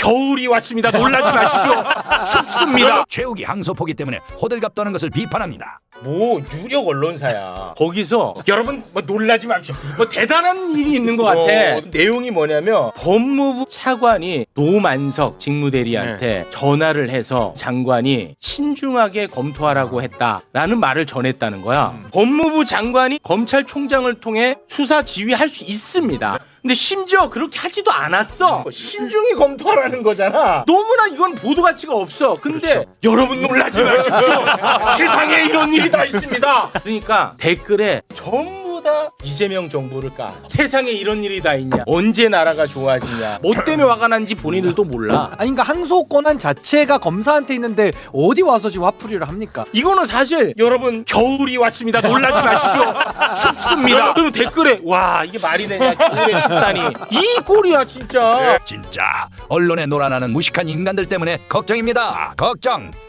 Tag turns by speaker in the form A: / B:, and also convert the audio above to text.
A: 겨울이 왔습니다. 놀라지 마십시오. 춥습니다.
B: 최욱이 항소포기 때문에 호들갑 떠는 것을 비판합니다.
A: 뭐 유력 언론사야. 거기서 여러분 뭐 놀라지 마십시오. 뭐 대단한 일이 있는 것 같아. 내용이 뭐냐면 법무부 차관이 노만석 직무대리한테 전화를 해서 장관이 신중하게 검토하라고 했다라는 말을 전했다는 거야. 법무부 장관이 검찰총장을 통해 수사 지휘할 수 있습니다. 근데 심지어 그렇게 하지도 않았어. 신중히 검토하라는 거잖아. 너무나 이건 보도 가치가 없어. 근데 여러분 놀라지 마십시오. 세상에 이런 일이 다 있습니다. 그러니까 댓글에 전부 다 이재명 정부를 까. 세상에 이런 일이 다 있냐. 언제 나라가 좋아지냐. 뭐 때문에 화가 난지 본인들도 몰라.
C: 아니 그러니까 항소 권한 자체가 검사한테 있는데 어디 와서 지금 화풀이를 합니까?
A: 이거는 사실 여러분 겨울이 왔습니다. 놀라지 마십시오. 춥습니다. 그리고 댓글에 와 이게 말이 되냐. 겨울에 춥다니. 이 꼴이야 진짜.
B: 진짜 언론에 놀아나는 무식한 인간들 때문에 걱정입니다. 걱정.